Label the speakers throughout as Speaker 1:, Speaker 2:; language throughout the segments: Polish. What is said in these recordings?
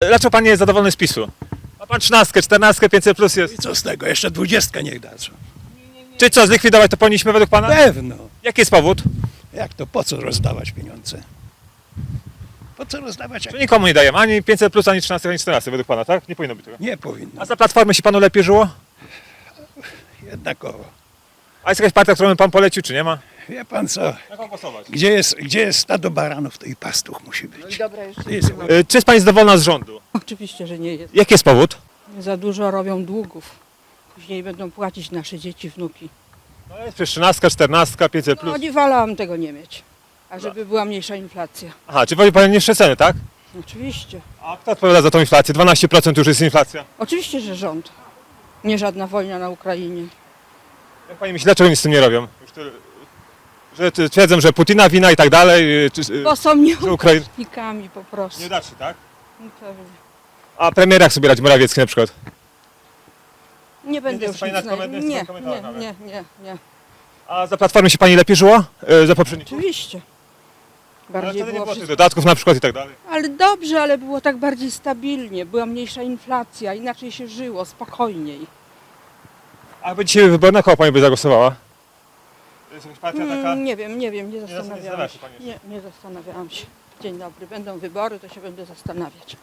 Speaker 1: dlaczego pan nie jest zadowolony z PiS-u? Ma pan 13, 14, 500 plus
Speaker 2: I
Speaker 1: jest.
Speaker 2: co z tego? Jeszcze 20 niech dadzą.
Speaker 1: Czy co, zlikwidować to powinniśmy według pana?
Speaker 2: Pewno.
Speaker 1: Jaki jest powód?
Speaker 2: Jak to? Po co rozdawać pieniądze? Po co rozdawać?
Speaker 1: Że nikomu nie dajemy, ani 500 plus, ani 13, ani 14 według pana, tak? Nie powinno być tego.
Speaker 2: Nie powinno.
Speaker 1: A za Platformy się panu lepiej żyło?
Speaker 2: Jednakowo.
Speaker 1: A jest jakaś partia, którą by pan polecił, czy nie ma?
Speaker 2: Wie pan co?
Speaker 1: Jak pan głosować?
Speaker 2: Gdzie jest stado baranów, to i pastuch musi być.
Speaker 3: Dobra, jeszcze.
Speaker 1: Czy jest pani zadowolona z rządu?
Speaker 3: Oczywiście, że nie jest.
Speaker 1: Jaki jest powód?
Speaker 3: Za dużo robią długów. Później będą płacić nasze dzieci, wnuki.
Speaker 1: No jest przecież 13, 14, 500
Speaker 3: No
Speaker 1: plus.
Speaker 3: nie wolałam tego nie mieć. A żeby była mniejsza inflacja.
Speaker 1: Aha, czy woli pani niższe ceny, tak?
Speaker 3: Oczywiście.
Speaker 1: A kto odpowiada za tą inflację? 12% już jest inflacja.
Speaker 3: Oczywiście, że rząd. Nie żadna wojna na Ukrainie.
Speaker 1: Jak pani myśli, dlaczego nic z tym nie robią? Już tyle, że twierdzą, że Putina wina i tak dalej,
Speaker 3: Bo są
Speaker 1: że Ukraina...
Speaker 3: nieuczciwnikami po prostu.
Speaker 1: Nieudaczny, tak?
Speaker 3: No pewnie.
Speaker 1: A premier jak sobie radzi Morawiecki na przykład?
Speaker 3: Nie będę
Speaker 1: jest
Speaker 3: już
Speaker 1: pani
Speaker 3: nic
Speaker 1: nad koment-
Speaker 3: nie,
Speaker 1: nad komentarzem nawet.
Speaker 3: nie.
Speaker 1: A za Platformy się pani lepiej żyło? Za poprzedników?
Speaker 3: Oczywiście.
Speaker 1: Ale
Speaker 3: Bardziej
Speaker 1: wtedy nie
Speaker 3: było
Speaker 1: było tych
Speaker 3: wszystko.
Speaker 1: dodatków na przykład i tak dalej.
Speaker 3: Ale dobrze, ale było tak bardziej stabilnie. Była mniejsza inflacja, inaczej się żyło, spokojniej.
Speaker 1: A by dzisiaj wybory, na kogo pani by zagłosowała? To jest jakaś partia taka...
Speaker 3: Nie wiem, nie
Speaker 1: zastanawia
Speaker 3: zastanawiałam
Speaker 1: się
Speaker 3: się.
Speaker 1: pani
Speaker 3: Nie zastanawiałam się. Dzień dobry, będą wybory, to się będę zastanawiać.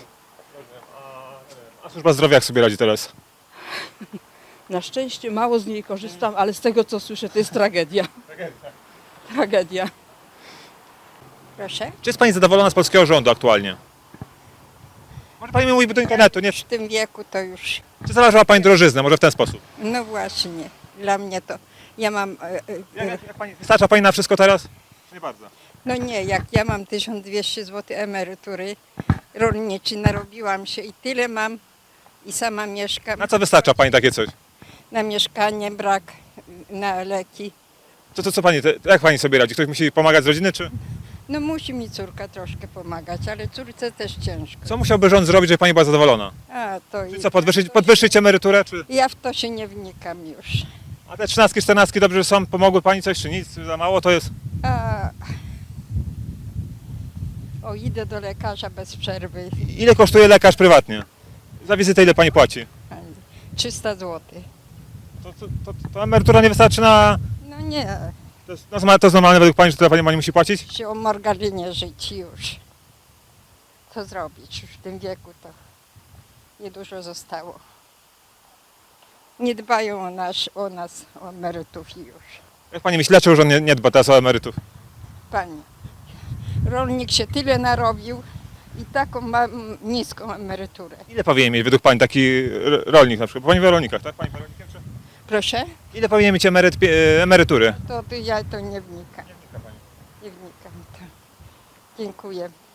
Speaker 1: A służba zdrowia jak sobie radzi teraz?
Speaker 3: Na szczęście mało z niej korzystam, ale z tego co słyszę, to jest tragedia. Tragedia.
Speaker 4: Proszę?
Speaker 1: Czy jest pani zadowolona z polskiego rządu aktualnie? Może pani mi mówi do internetu, nie?
Speaker 4: W tym wieku to już,
Speaker 1: Czy zauważyła pani drożyznę? Może w ten sposób?
Speaker 4: no właśnie, dla mnie to, ja mam,
Speaker 1: Jak pani, wystarcza pani na wszystko teraz? Nie bardzo.
Speaker 4: no nie, jak ja mam 1200 zł emerytury rolniczej, narobiłam się i tyle mam i sama mieszkam,
Speaker 1: Na co wystarcza pani takie coś?
Speaker 4: na mieszkanie brak, na leki.
Speaker 1: To co pani, jak pani sobie radzi? Ktoś musi pomagać z rodziny, czy?
Speaker 4: No musi mi córka troszkę pomagać, ale córce też ciężko.
Speaker 1: Co musiałby rząd zrobić, żeby pani była zadowolona?
Speaker 4: A, to
Speaker 1: Czy
Speaker 4: i-
Speaker 1: co, podwyższyć emeryturę, czy?
Speaker 4: Ja w to się nie wnikam już.
Speaker 1: A te 13, 14 dobrze są? Pomogły pani coś, czy nic? Za mało to jest?
Speaker 4: A, o, idę do lekarza bez przerwy,
Speaker 1: Ile kosztuje lekarz prywatnie? Za wizytę ile pani płaci?
Speaker 4: 300 zł.
Speaker 1: To emerytura nie wystarczy na...
Speaker 4: No nie,
Speaker 1: To jest normalne według pani, że tyle pani musi płacić?
Speaker 4: się o margarynie żyć już. Co zrobić? Już w tym wieku to niedużo zostało. Nie dbają o nas, o emerytów już.
Speaker 1: Jak pani myśli, dlaczego rząd nie dba teraz o emerytów?
Speaker 4: Pani, rolnik się tyle narobił i taką ma niską emeryturę.
Speaker 1: Ile powinien mieć według pani taki rolnik na przykład? Bo pani wie o rolnikach, tak? Pani wie o rolnikach, czy?
Speaker 4: Proszę?
Speaker 1: Ile powinien mieć emerytury?
Speaker 4: To ja to nie wnikam. Nie wnikam to. Dziękuję.